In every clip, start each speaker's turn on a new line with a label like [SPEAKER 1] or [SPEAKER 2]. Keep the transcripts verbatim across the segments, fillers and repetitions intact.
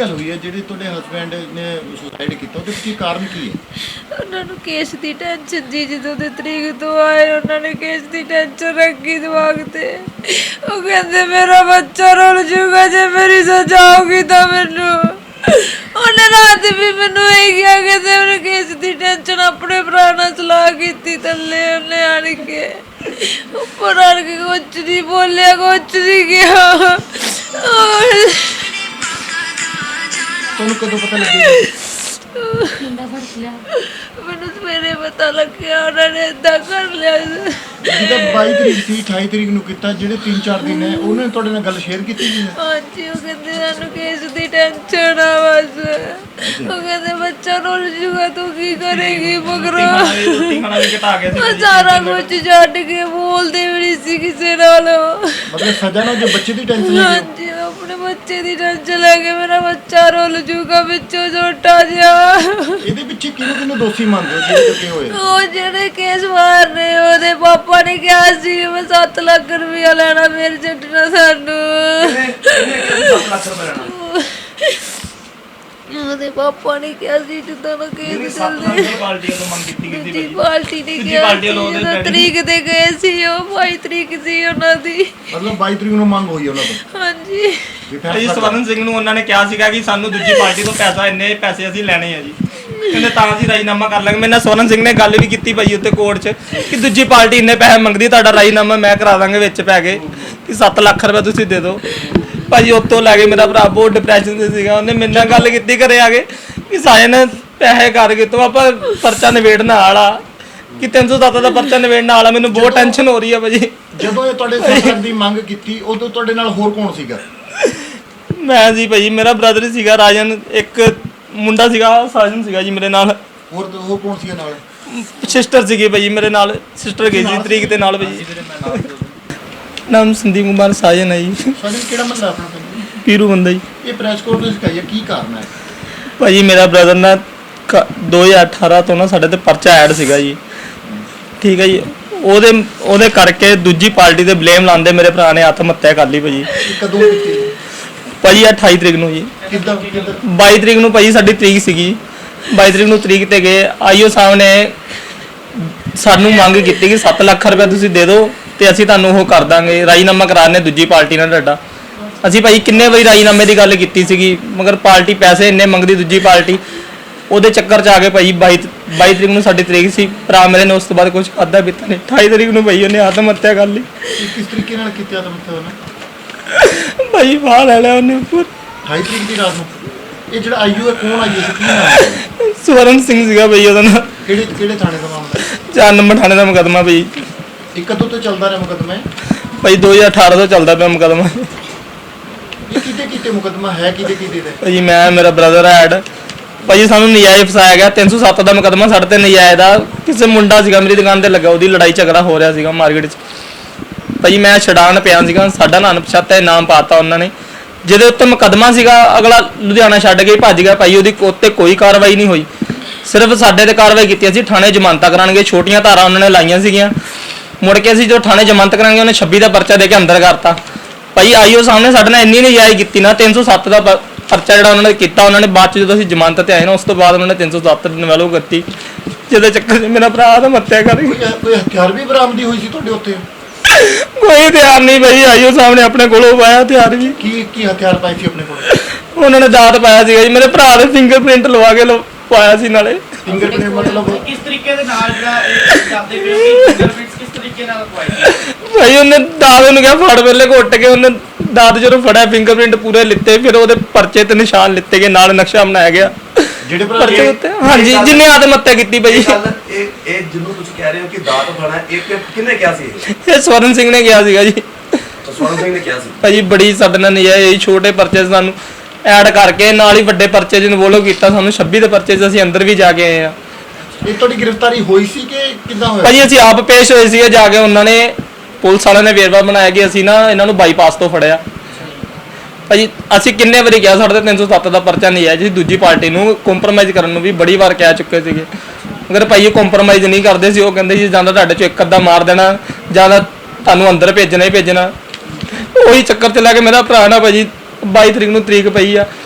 [SPEAKER 1] ਗੱਲ ਹੋਈ ਹੈ ਜਿਹੜੇ ਤੁਹਾਡੇ ਹਸਬੈਂਡ ਨੇ ਸੁਸਾਈਡ ਕੀਤਾ ਉਹਦੇ ਪਿੱਛੇ ਕਾਰਨ ਕੀ ਹੈ?
[SPEAKER 2] ਉਹਨਾਂ ਨੂੰ ਕੇਸ ਦੀ ਟੈਨਸ਼ਨ ਜੀ, ਜਦੋਂ ਦੇ ਤਰੀਕ ਤੋਂ ਆਏ ਉਹਨਾਂ ਨੇ ਕੇਸ ਦੀ ਟੈਨਸ਼ਨ ਰੱਖੀ ਦਿਮਾਗ ਤੇ। ਉਹ ਕਹਿੰਦੇ ਮੇਰਾ ਬੱਚਾ ਰੁੱਲ ਜੂਗਾ ਜੇ ਮੇਰੀ ਸਜ਼ਾ ਹੋਗੀ ਤਾਂ ਮੈਨੂੰ। ਉਹਨੇ ਰਾਤ ਵੀ ਮੈਨੂੰ ਇਹ ਕਿਹਾ ਕਿ ਉਹਨੇ ਕੇਸ ਦੀ ਟੈਨਸ਼ਨ ਆਪਣੇ ਭਰਾ ਨਾਲ ਸਲਾਹ ਕੀਤੀ ਥੱਲੇ ਉਹਨੇ ਆਣ ਕੇ ਉੱਪਰ ਆਣ ਕੇ ਕੁਛ ਨਹੀਂ ਬੋਲਿਆ, ਕੁਛ ਨਹੀਂ ਕਿਹਾ।
[SPEAKER 1] ਤੁਹਾਨੂੰ ਕਦੋਂ ਪਤਾ ਲੱਗਿਆ?
[SPEAKER 2] ਮੈਨੂੰ ਸਵੇਰੇ ਪਤਾ ਲੱਗਿਆ ਉਹਨਾਂ ਨੇ ਏਦਾਂ ਕਰ ਲਿਆ।
[SPEAKER 1] ਜਿਹਦਾ ਬਾਈ ਤਰੀਕ ਸੀ ਅਠਾਈ ਤਰੀਕ ਨੂੰ ਕੀਤਾ, ਜਿਹੜੇ ਤਿੰਨ ਚਾਰ ਦਿਨ ਹੈ ਉਹਨੇ ਤੁਹਾਡੇ ਨਾਲ ਗੱਲ ਸ਼ੇਅਰ ਕੀਤੀ ਸੀ?
[SPEAKER 2] ਹਾਂਜੀ, ਉਹ ਕਹਿੰਦੇ ਸਾਨੂੰ ਕੇਸ ਦੀ ਟੈਨਸ਼ਨ ਆ ਬਸ। ਉਹ ਕਹਿੰਦੇ ਬੱਚਾ ਰੁੱਲ ਜੂਗਾ ਤੂੰ ਕੀ ਕਰੇਗੀ ਮਗਰੋਂ। ਸਾਰਾ ਕੁਝ ਛੱਡ ਕੇ ਬੋਲਦੇ ਵੀ ਨਹੀਂ ਸੀ ਕਿਸੇ ਨਾਲ।
[SPEAKER 1] ਮਤਲਬ ਸਜ਼ਾ ਨਾਲ ਜੋ ਬੱਚੇ ਦੀ ਟੈਨਸ਼ਨ ਹੈ?
[SPEAKER 2] ਹਾਂਜੀ, ਆਪਣੇ ਬੱਚੇ ਦੀ ਟੈਨਸ਼ਨ ਲੈ ਕੇ ਮੇਰਾ ਬੱਚਾ ਰੁੱਲ ਜੂਗਾ ਵਿੱਚੋਂ ਛੋਟਾ ਜਿਹਾ।
[SPEAKER 1] ਇਹਦੇ ਪਿੱਛੇ ਕਿਹਨੂੰ ਕਿਹਨੂੰ ਦੋਸ਼ੀ ਮੰਨਦੇ ਹੋ ਜਿਹੜੇ ਕਿਤੇ ਹੋਏ?
[SPEAKER 2] ਉਹ ਜਿਹੜੇ ਕੇਸ ਮਾਰਨੇ ਉਹਦੇ ਪਾਪਾ ਨੇ ਕਿਹਾ ਸੀ ਮੈਂ ਸੱਤ ਲੱਖ ਰੁਪਇਆ ਲੈਣਾ, ਫਿਰ ਛੱਡਣਾ ਸਾਨੂੰ। ਉਹਦੇ ਪਾਪਾ ਨੇ ਕਿਹਾ ਸੀ ਜਿੱਦਾਂ ਨਾ ਕੇਸ ਚੱਲਦੇ ਦੂਜੀ ਪਾਰਟੀ ਨੇ ਕਿਹਾ ਸੀ ਜਦੋਂ ਤਰੀਕ ਤੇ ਗਏ ਸੀ। ਉਹ ਬਾਈ ਤਰੀਕ ਸੀ ਉਹਨਾਂ ਦੀ।
[SPEAKER 1] ਮਤਲਬ ਬਾਈ ਤਰੀਕ ਨੂੰ ਮੰਗ ਹੋਈ ਉਹਨਾਂ ਤੋਂ?
[SPEAKER 2] ਹਾਂਜੀ।
[SPEAKER 3] ਜੀ ਸਵਰਨ ਸਿੰਘ ਨੂੰ ਉਹਨਾਂ ਨੇ ਕਿਹਾ ਸੀਗਾ ਕਿ ਸਾਨੂੰ ਦੂਜੀ ਪਾਰਟੀ ਤੋਂ ਪੈਸਾ ਇੰਨੇ ਪੈਸੇ ਅਸੀਂ ਲੈਣੇ ਆ ਜੀ, ਕਹਿੰਦੇ ਤਾਂ ਅਸੀਂ ਰਾਜੀਨਾਮਾ ਕਰ ਲਾਂਗੇ। ਮੇਰੇ ਨਾਲ ਸਵਰਨ ਸਿੰਘ ਨੇ ਗੱਲ ਵੀ ਕੀਤੀ ਭਾਈ ਉੱਤੇ ਕੋਰਟ 'ਚ ਕਿ ਦੂਜੀ ਪਾਰਟੀ ਇੰਨੇ ਪੈਸੇ ਮੰਗਦੀ, ਤੁਹਾਡਾ ਰਾਜੀਨਾਮਾ ਮੈਂ ਕਰਾ ਦਾਂਗੇ ਵਿੱਚ ਪੈ ਕੇ ਕਿ ਸੱਤ ਲੱਖ ਰੁਪਏ ਤੁਸੀਂ ਦੇ ਦਿਓ। ਭਾਜੀ ਉੱਤੋਂ ਲੈ ਕੇ ਮੇਰਾ ਭਰਾ ਬਹੁਤ ਡਿਪਰੈਸ਼ਨ 'ਚ ਸੀਗਾ। ਉਹਨੇ ਮੇਰੇ ਨਾਲ ਗੱਲ ਕੀਤੀ ਘਰੇ ਆ ਕੇ ਕਿ ਸਾਜਨ ਪੈਸੇ ਕਰਕੇ ਤੋਂ ਆਪਾਂ ਪਰਚਾ ਨਿਬੇੜਨ ਵਾਲਾ ਕਿ ਤਿੰਨ ਸੌ ਸੱਤ ਦਾ ਪਰਚਾ ਨਿਬੇੜਨ ਵਾਲਾ। ਮੈਨੂੰ ਬਹੁਤ ਟੈਨਸ਼ਨ ਹੋ ਰਹੀ ਆ ਭਾਜੀ।
[SPEAKER 1] ਜਦੋਂ ਇਹ ਤੁਹਾਡੇ ਸਰਕਾਰ ਦੀ ਮੰਗ ਕੀਤੀ ਉਦੋਂ ਤੁਹਾਡੇ ਨਾਲ ਹੋਰ ਕੌਣ ਸੀਗਾ?
[SPEAKER 3] ਮੈਂ ਜੀ ਭਾਜੀ ਮੇਰਾ ਬ੍ਰਦਰ ਹੀ ਸੀਗਾ ਰਾਜਨ, ਇੱਕ ਮੁੰਡਾ ਸੀਗਾ ਸਾਜਨ ਸੀਗਾ ਜੀ ਮੇਰੇ ਨਾਲ।
[SPEAKER 1] ਹੋਰ ਹੋਰ ਕੌਣ ਸੀਗਾ ਨਾਲ?
[SPEAKER 3] ਸਿਸਟਰ ਸੀਗੀ ਭਾਜੀ ਮੇਰੇ ਨਾਲ, ਸਿਸਟਰ ਗਈ ਸੀ ਤਰੀਕ ਦੇ ਨਾਲ ਭਾਜੀ। ਨਾਮ ਸੰਦੀਪ ਕੁਮਾਰ ਸਾਜਨ ਹੈ ਜੀ।
[SPEAKER 1] ਸਾਜਨ ਕਿਹੜਾ ਮਤਲਬ ਆਪਣਾ ਪਿੰਡ?
[SPEAKER 3] ਪੀਰੂ ਬੰਦਾ ਜੀ।
[SPEAKER 1] ਇਹ ਪ੍ਰੈਸ ਕਾਨਫਰੰਸ ਕਹੀ ਕੀ ਕਾਰਨ ਹੈ?
[SPEAKER 3] ਭਾਜੀ ਮੇਰਾ ਬ੍ਰਦਰ ਨਾ ਦੋ ਹਜ਼ਾਰ ਅਠਾਰਾਂ ਤੋਂ ਨਾ ਸਾਡੇ ਤੇ ਪਰਚਾ ਐਡ ਸੀਗਾ ਜੀ, ਠੀਕ ਹੈ ਜੀ। ਉਹਦੇ ਉਹਦੇ ਕਰਕੇ ਦੂਜੀ ਪਾਰਟੀ ਤੇ ਬਲੇਮ ਲਾਉਂਦੇ ਮੇਰੇ ਭਰਾ ਨੇ ਆਤਮ ਹੱਤਿਆ ਕਰ ਲਈ ਭਾਜੀ।
[SPEAKER 1] ਕਦੋਂ ਕੀਤੀ
[SPEAKER 3] ਭਾਜੀ ਅਠਾਈ ਤਰੀਕ ਨੂੰ ਜੀ।
[SPEAKER 1] ਕਿੱਦਾਂ?
[SPEAKER 3] ਬਾਈ ਤਰੀਕ ਨੂੰ ਭਾਜੀ ਸਾਡੀ ਤਰੀਕ ਸੀਗੀ, ਬਾਈ ਤਰੀਕ ਨੂੰ ਤਰੀਕ ਤੇ ਗਏ। ਆਈਓ ਸਾਹਿਬ ਨੇ ਸਾਨੂੰ ਮੰਗ ਕੀਤੀ ਕਿ ਸੱਤ ਲੱਖ ਰੁਪਏ ਤੁਸੀਂ ਦੇ ਦਿਓ ਤੇ ਅਸੀਂ ਤੁਹਾਨੂੰ ਉਹ ਕਰ ਦਾਂਗੇ, ਰਾਜੀਨਾਮਾ ਕਰਾਣੇ ਦੂਜੀ ਪਾਰਟੀ ਨਾਲ ਤੁਹਾਡਾ। ਅਸੀਂ ਭਾਈ ਕਿੰਨੇ ਵਾਰੀ ਰਾਜੀਨਾਮੇ ਦੀ ਗੱਲ ਕੀਤੀ ਸੀਗੀ, ਮਗਰ ਪਾਰਟੀ ਪੈਸੇ ਇੰਨੇ ਮੰਗਦੀ ਦੂਜੀ ਪਾਰਟੀ। ਉਹਦੇ ਚੱਕਰ 'ਚ ਆ ਕੇ ਭਾਈ ਬਾਈ ਬਾਈ ਤਰੀਕ ਨੂੰ ਸਾਡੀ ਤਰੀਕ ਸੀ। ਭਰਾ ਮੇਰੇ ਨੇ ਉਸ ਤੋਂ ਬਾਅਦ ਕੁਝ ਖਾਧਾ ਪੀਤਾ ਨਹੀਂ। ਅਠਾਈ ਤਰੀਕ ਨੂੰ ਭਾਈ ਉਹਨੇ ਆਤਮ ਹੱਤਿਆ ਕਰ ਲਈ।
[SPEAKER 1] ਕਿਸ ਤਰੀਕੇ ਨਾਲ ਕੀਤੀ ਆਤਮ ਹੱਤਿਆ ਉਹਨੇ?
[SPEAKER 3] ਭਾਈ ਬਾਹਰ ਲੈ ਲਿਆ ਉਹਨੇ ਉੱਪਰ।
[SPEAKER 1] ਅਠਾਈ ਤਰੀਕ ਦੀ ਰਾਤ ਨੂੰ? ਇਹ ਜਿਹੜਾ ਆਈਓ ਹੈ ਕੌਣ ਆਈਓ ਸੀ? ਕੀ ਨਾਮ ਹੈ?
[SPEAKER 3] ਸਵਰਨ ਸਿੰਘ ਸੀਗਾ ਭਾਈ ਉਹਦਾ ਨਾਮ।
[SPEAKER 1] ਕਿਹੜੇ ਕਿਹੜੇ ਥਾਣੇ ਦਾ ਮਾਮਲਾ?
[SPEAKER 3] ਚਾਰ ਨੰਬਰ ਥਾਣੇ ਦਾ ਮੁਕੱਦਮਾ ਭਾਈ।
[SPEAKER 1] ਇਹ ਕਦੋਂ ਤੋਂ ਚੱਲਦਾ ਰਿਹਾ ਮੁਕੱਦਮਾ?
[SPEAKER 3] ਭਾਈ ਦੋ ਹਜ਼ਾਰ ਅਠਾਰਾਂ ਤੋਂ ਚੱਲਦਾ ਪਿਆ ਮੁਕੱਦਮਾ।
[SPEAKER 1] ਇਹ ਕਿਤੇ ਕਿਤੇ ਮੁਕੱਦਮਾ ਹੈ ਕਿਤੇ ਕਿਤੇ ਦਾ?
[SPEAKER 3] ਭਾਜੀ ਮੈਂ ਮੇਰਾ ਬ੍ਰਦਰ ਐਡ ਭਾਜੀ ਸਾਨੂੰ ਨਜਾਇਜ਼ ਫਸਾਇਆ ਗਿਆ। ਤਿੰਨ ਸੌ ਸੱਤ ਦਾ ਮੁਕੱਦਮਾ ਸਾਡੇ ਤੇ ਨਜਾਇਜ਼ ਦਾ। ਕਿਸੇ ਮੁੰਡਾ ਸੀਗਾ ਮੇਰੀ ਦੁਕਾਨ ਤੇ ਲੱਗਾ, ਉਹਦੀ ਲੜਾਈ ਝਗੜਾ ਹੋ ਰਿਹਾ ਸੀਗਾ ਮਾਰਕੀਟ 'ਚ। ਭਾਜੀ ਮੈਂ ਛਡਾਣ ਪਿਆ ਸੀਗਾ, ਸਾਡਾ ਨਾਂ ਪਛਾਤਾ ਨਾਮ ਪਾਤਾ ਉਹਨਾਂ ਨੇ। ਜਿਹਦੇ ਉੱਤੇ ਮੁਕੱਦਮਾ ਸੀਗਾ ਅਗਲਾ ਲੁਧਿਆਣਾ ਛੱਡ ਕੇ ਭੱਜ ਗਿਆ ਭਾਈ। ਉਹਦੀ ਉੱਤੇ ਕੋਈ ਕਾਰਵਾਈ ਨਹੀਂ ਹੋਈ, ਸਿਰਫ ਸਾਡੇ ਤੇ ਕਾਰਵਾਈ ਕੀਤੀ। ਅਸੀਂ ਥਾਣੇ ਜ਼ਮਾਨਤਾਂ ਕਰਾਂਗੇ, ਛੋਟੀਆਂ ਧਾਰਾਂ ਉਹਨਾਂ ਨੇ ਲਾਈਆਂ ਸੀਗੀਆਂ। ਮੁੜ ਕੇ ਅਸੀਂ ਜੋ ਥਾਣੇ ਜ਼ਮਾਨਤ ਕਰਾਂਗੇ ਉਹਨੇ ਛੱਬੀ ਦਾ ਪਰਚਾ ਦੇ ਕੇ ਅੰਦਰ ਕਰਤਾ ਭਾਈ। ਆਈਓ ਸਾਹਮਣੇ ਸਾਡੇ ਨਾਲ ਇੰਨੀ ਨਜਾਇਜ਼ ਕੀਤੀ ਨਾ, ਤਿੰਨ ਸੌ ਸੱਤ ਦਾ ਪਰਚਾ ਜਿਹੜਾ ਉਹਨਾਂ ਨੇ ਕੀਤਾ। ਉਹਨਾਂ ਨੇ ਬਾਅਦ 'ਚ ਜਦੋਂ ਅਸੀਂ ਜ਼ਮਾਨਤ ਤੇ ਆਏ ਨਾ ਉਸ ਤੋਂ ਬਾਅਦ ਉਹਨਾਂ ਨੇ ਤਿੰਨ ਸੌ ਸੱਤ ਨਵੈਲੋ ਕਰਤੀ, ਜਿਹਦੇ ਚੱਕਰ 'ਚ ਮੇਰਾ ਭਰਾ ਆਤਮ ਹੱਤਿਆ ਕਰ ਗਿਆ।
[SPEAKER 1] ਕੋਈ ਹਥਿਆਰ ਵੀ ਬਰਾਮਦੀ ਹੋਈ ਸੀ ਤੁਹਾਡੇ ਉੱਤੇ?
[SPEAKER 3] ਕੋਈ ਹਥਿਆਰ ਨਹੀਂ ਭਾਈ, ਆਈਓ ਸਾਹਮਣੇ ਆਪਣੇ ਕੋਲੋਂ ਪਾਇਆ ਹਥਿਆਰ ਵੀ।
[SPEAKER 1] ਕੀ ਕੀ ਹਥਿਆਰ ਪਾਏ ਸੀ ਆਪਣੇ ਕੋਲ?
[SPEAKER 3] ਉਹਨਾਂ ਨੇ ਦਾਤ ਪਾਇਆ ਸੀਗਾ ਜੀ, ਮੇਰੇ ਭਰਾ ਦੇ ਫਿੰਗਰਪ੍ਰਿੰਟ ਲਵਾ ਕੇ ਪਾਇਆ ਸੀ ਨਾਲੇ।
[SPEAKER 1] ਫਿੰਗਰਪ੍ਰਿੰਟ ਮਤਲਬ
[SPEAKER 4] ਕਿਸ ਤਰੀਕੇ ਦੇ ਨਾਲ ਜਿਹੜਾ ਇਹ ਕਰਦੇ ਪਏ ਹੋ ਕਿ ਫਿੰਗਰਪ੍ਰਿੰਟਸ ਕਿਸ ਤਰੀਕੇ ਨਾਲ ਲਵਾਏ?
[SPEAKER 3] ਭਾਈ ਉਹਨੇ ਦਾਤ ਨੂੰ ਕਿਹਾ ਫੜ ਵੇਲੇ ਘੁੱਟ ਕੇ ਉਹਨੇ ਦਾਤ ਜਦੋਂ ਫੜਿਆ ਫਿੰਗਰਪ੍ਰਿੰਟ ਪੂਰੇ ਲਿੱਤੇ, ਫਿਰ ਉਹਦੇ ਪਰਚੇ ਤੇ ਨਿਸ਼ਾਨ ਲਿੱਤੇ ਗਏ, ਨਾਲ ਨਕਸ਼ਾ ਬਣਾਇਆ ਗਿਆ
[SPEAKER 1] ਜਿਹੜੇ
[SPEAKER 3] ਪਰਚੇ ਉੱਤੇ। ਹਾਂਜੀ ਜਿੰਨੇ ਆਤਮ ਹੱਤਿਆ ਕੀਤੀ ਭਾਈ।
[SPEAKER 5] ਇਹ ਇਹ ਜਿਹਨੂੰ ਤੁਸੀਂ ਕਹਿ ਰਹੇ ਹੋ ਕਿ ਦਾਤ ਫੜਨਾ, ਇਹ ਕਿਹਨੇ ਕਿਹਾ ਸੀ?
[SPEAKER 3] ਇਹ ਸਵਰਨ ਸਿੰਘ ਨੇ ਕਿਹਾ ਸੀਗਾ ਜੀ।
[SPEAKER 5] ਸਵਰਨ ਸਿੰਘ ਨੇ ਕਿਹਾ ਸੀ
[SPEAKER 3] ਭਾਜੀ ਬੜੀ ਸਾਡੇ ਨਾਲ ਨਜਾਇਜ਼ ਛੋਟੇ ਪਰਚੇ ਸਾਨੂੰ ਐਡ ਕਰਕੇ ਨਾਲ ਹੀ ਵੱਡੇ ਪਰਚੇ 'ਚ ਇਨਵੋਲਵ ਕੀਤਾ ਸਾਨੂੰ। ਛੱਬੀ ਦੇ ਪਰਚੇ 'ਚ ਅਸੀਂ ਅੰਦਰ ਵੀ ਜਾ ਕੇ ਆਏ ਆ।
[SPEAKER 1] ਇਹ ਤੁਹਾਡੀ ਗ੍ਰਿਫਤਾਰੀ ਹੋਈ ਸੀ ਕਿ ਕਿੱਦਾਂ ਹੋਇਆ?
[SPEAKER 3] ਭਾਜੀ ਅਸੀਂ ਆਪ ਪੇਸ਼ ਹੋਏ ਸੀਗੇ ਜਾ ਕੇ। ਉਹਨਾਂ ਨੇ ਪੁਲਿਸ ਵਾਲਿਆਂ ਨੇ ਵੇਰਵਾ ਬਣਾਇਆ ਕਿ ਅਸੀਂ ਨਾ ਇਹਨਾਂ ਨੂੰ ਬਾਈਪਾਸ ਤੋਂ ਫੜਿਆ ਭਾਜੀ। ਅਸੀਂ ਕਿੰਨੇ ਵਾਰੀ ਕਿਹਾ ਸਾਡੇ ਤੇ ਤਿੰਨ ਸੌ ਸੱਤ ਦਾ ਪਰਚਾ ਨਹੀਂ ਹੈ ਜੀ। ਦੂਜੀ ਪਾਰਟੀ ਨੂੰ ਕੰਪਰੋਮਾਈਜ਼ ਕਰਨ ਨੂੰ ਵੀ ਬੜੀ ਵਾਰ ਕਹਿ ਚੁੱਕੇ ਸੀਗੇ, ਅਗਰ ਭਾਈ ਇਹ ਕੰਪਰੋਮਾਈਜ਼ ਨਹੀਂ ਕਰਦੇ ਸੀ। ਉਹ ਕਹਿੰਦੇ ਸੀ ਜਾਂ ਤਾਂ ਤੁਹਾਡੇ 'ਚੋਂ ਇੱਕ ਅੱਧਾ ਮਾਰ ਦੇਣਾ ਜਾਂ ਤਾਂ ਤੁਹਾਨੂੰ ਅੰਦਰ ਭੇਜਣਾ ਹੀ ਭੇਜਣਾ। ਉਹੀ ਚੱਕਰ 'ਚ ਲੈ ਕੇ ਮੇਰਾ ਭਰਾ ਨਾ ਭਾਜੀ ਬਾਈ ਤਰੀਕ ਨੂੰ ਤਰੀਕ ਪਈ ਆ,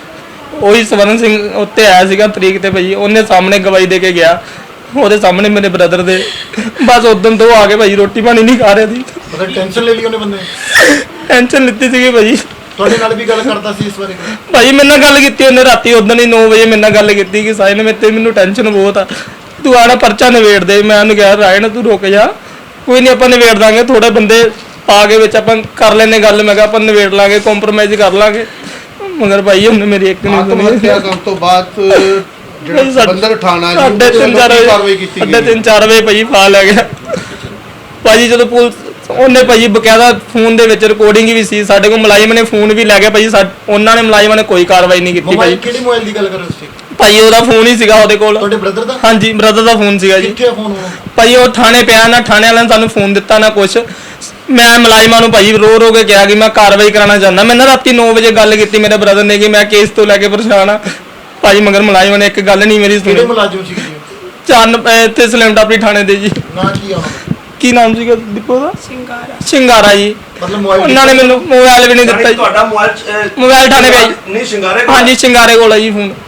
[SPEAKER 3] ਉਹੀ ਸਵਰਨ ਸਿੰਘ ਉੱਤੇ ਆਇਆ ਸੀਗਾ ਤਰੀਕ ਤੇ ਭਾਜੀ, ਉਹਨੇ ਸਾਹਮਣੇ ਗਵਾਹੀ ਦੇ ਕੇ ਗਿਆ, ਉਹਦੇ ਸਾਹਮਣੇ ਮੇਰੇ ਬ੍ਰਦਰ ਦੇ। ਬਸ ਉਦੋਂ ਤੋਂ ਆ ਕੇ ਭਾਜੀ ਰੋਟੀ ਪਾਣੀ ਨਹੀਂ ਖਾ ਰਿਹਾ ਸੀ।
[SPEAKER 1] ਮਤਲਬ ਟੈਨਸ਼ਨ ਲੈ ਲਈ ਉਹਨੇ ਬੰਦੇ ਨੇ?
[SPEAKER 3] ਟੈਨਸ਼ਨ ਲਿੱਤੀ ਸੀਗੀ ਭਾਜੀ।
[SPEAKER 1] ਤੁਹਾਡੇ ਨਾਲ ਵੀ ਗੱਲ ਕਰਦਾ ਸੀ ਇਸ ਬਾਰੇ?
[SPEAKER 3] ਭਾਜੀ ਮੇਰੇ ਨਾਲ ਗੱਲ ਕੀਤੀ ਉਹਨੇ ਰਾਤੀ, ਉਦੋਂ ਹੀ ਨੌ ਵਜੇ ਮੇਰੇ ਨਾਲ ਗੱਲ ਕੀਤੀ ਕਿ ਸਾਹਿਲ ਮੇਰੇ ਤੇ ਮੈਨੂੰ ਟੈਨਸ਼ਨ ਬਹੁਤ ਆ, ਤੂੰ ਆਣਾ ਪਰਚਾ ਨਿਬੇੜ ਦੇ। ਮੈਂ ਉਹਨੂੰ ਕਿਹਾ ਰਾਇਣ ਤੂੰ ਰੁਕ ਜਾ, ਕੋਈ ਨਹੀਂ ਆਪਾਂ ਨਿਬੇੜ ਦਾਂਗੇ, ਥੋੜੇ ਬੰਦੇ ਪਾ ਕੇ ਵਿੱਚ ਆਪਾਂ ਕਰ ਲੈਨੇ ਗੱਲ। ਮੈਂ ਕਿਹਾ ਆਪਾਂ ਨਿਬੇੜ ਲਾਂਗੇ, ਕੰਪਰੋਮਾਈਜ਼ ਕਰ ਲਾਂਗੇ। ਮਗਰ ਭਾਈ ਉਹਨੇ ਮੇਰੀ ਇੱਕ ਨਹੀਂ
[SPEAKER 6] ਆਤਮ
[SPEAKER 3] ਸੁਣੀ।
[SPEAKER 6] ਹੱਤਿਆ ਕਰਨ ਤੋਂ ਬਾਅਦ ਜਿਹੜਾ ਬੰਦਰ ਠਾਣਾ ਜੀ
[SPEAKER 3] ਸਾਢੇ ਤਿੰਨ ਚਾਰ
[SPEAKER 6] ਕੀ
[SPEAKER 3] ਵਜੇ
[SPEAKER 6] ਕਾਰਵਾਈ ਕੀਤੀ
[SPEAKER 3] ਸਾਢੇ
[SPEAKER 6] ਗਈ?
[SPEAKER 3] ਤਿੰਨ ਚਾਰ ਵਜੇ ਭਾਜੀ ਫਾ ਲੈ ਗਿਆ ਭਾਜੀ। ਜਦੋਂ ਪੁਲਿਸ ਉਹਨੇ ਭਾਜੀ ਬਕਾਇਦਾ ਫੋਨ ਦੇ ਵਿੱਚ ਰਿਕਾਰਡਿੰਗ ਵੀ ਸੀ, ਸਾਡੇ ਕੋਲ ਮੁਲਾਜ਼ਮ ਨੇ ਫੋਨ ਵੀ ਲੈ ਗਿਆ ਭਾਜੀ। ਸਾ- ਉਹਨਾਂ ਨੇ ਮੁਲਾਜ਼ਮਾਂ ਨੇ ਕੋਈ ਕਾਰਵਾਈ ਨਹੀਂ ਕੀਤੀ
[SPEAKER 1] ਮੋਬਾਈਲ
[SPEAKER 3] ਭਾਜੀ।
[SPEAKER 1] ਕਿਹੜੇ ਮੋਬਾਈਲ ਦੀ ਗੱਲ ਕਰ ਰਹੇ ਸੀ?
[SPEAKER 3] ਭਾਜੀ ਉਹਦਾ ਫੋਨ ਹੀ ਸੀਗਾ ਉਹਦੇ ਕੋਲ।
[SPEAKER 1] ਤੁਹਾਡੇ ਬ੍ਰਦਰ ਦਾ?
[SPEAKER 3] ਹਾਂਜੀ ਬ੍ਰਦਰ ਦਾ ਫੋਨ ਸੀਗਾ ਜੀ।
[SPEAKER 1] ਕਿੱਥੇ ਫੋਨ ਹੋਣਾ?
[SPEAKER 3] ਭਾਜੀ ਉਹ ਥਾਣੇ ਪਿਆ ਨਾ, ਥਾਣੇ ਵਾਲਿਆਂ ਨੇ ਸਾਨੂੰ ਫੋਨ ਦਿੱਤਾ ਨਾ ਕੁਛ। ਮੈਂ ਮੁਲਾਜ਼ਮਾਂ ਨੂੰ ਭਾਜੀ ਰੋ ਰੋ ਕੇ ਕਿਹਾ ਕਿ ਮੈਂ ਕਾਰਵਾਈ ਕਰਾਉਣਾ ਚਾਹੁੰਦਾ। ਮੈਂ ਨਾ ਰਾਤੀ ਨੌ ਵਜੇ ਗੱਲ ਕੀਤੀ ਮੇਰੇ ਬ੍ਰਦਰ ਨੇ ਕਿ ਮੈਂ ਕੇਸ ਤੋਂ ਲੈ ਕੇ ਪਰੇਸ਼ਾਨ ਆ ਭਾਜੀ, ਮਗਰ ਮੁਲਾਜ਼ਮਾਂ ਨੇ ਇੱਕ ਗੱਲ ਨਹੀਂ ਮੇਰੀ
[SPEAKER 1] ਕਿਹੜੇ
[SPEAKER 3] ਸੁਣੀ।
[SPEAKER 1] ਮੁਲਾਜ਼ਮ ਸੀ ਜੀ?
[SPEAKER 3] ਚੰਨ ਇੱਥੇ ਸਲੈਮਟਾਪਰੀ ਥਾਣੇ ਦੇ ਜੀ।
[SPEAKER 1] ਨਾ ਕੀ ਆ ਉਹਨਾਂ ਦਾ?
[SPEAKER 3] ਕੀ ਨਾਮ ਸੀਗਾ ਦੀਪੋ ਦਾ?
[SPEAKER 2] ਸਿੰਗਾਰਾ।
[SPEAKER 3] ਸ਼ਿੰਗਾਰਾ ਜੀ।
[SPEAKER 1] ਮਤਲਬ ਮੋਬਾਈਲ
[SPEAKER 3] ਉਹਨਾਂ ਨੇ ਮੈਨੂੰ ਮੋਬਾਈਲ ਵੀ ਨਹੀਂ ਦਿੱਤਾ
[SPEAKER 5] ਯਾਨੀ
[SPEAKER 3] ਜੀ।
[SPEAKER 5] ਤੁਹਾਡਾ ਮੋਬਾਈਲ ਅਹ,
[SPEAKER 3] ਮੋਬਾਈਲ ਥਾਣੇ ਪਿਆ ਜੀ।
[SPEAKER 5] ਨਹੀਂ ਸ਼ਿੰਗਾਰੇ ਕੋਲ?
[SPEAKER 3] ਹਾਂਜੀ ਸ਼ਿੰਗਾਰੇ ਕੋਲ ਹੈ ਜੀ ਫੋਨ।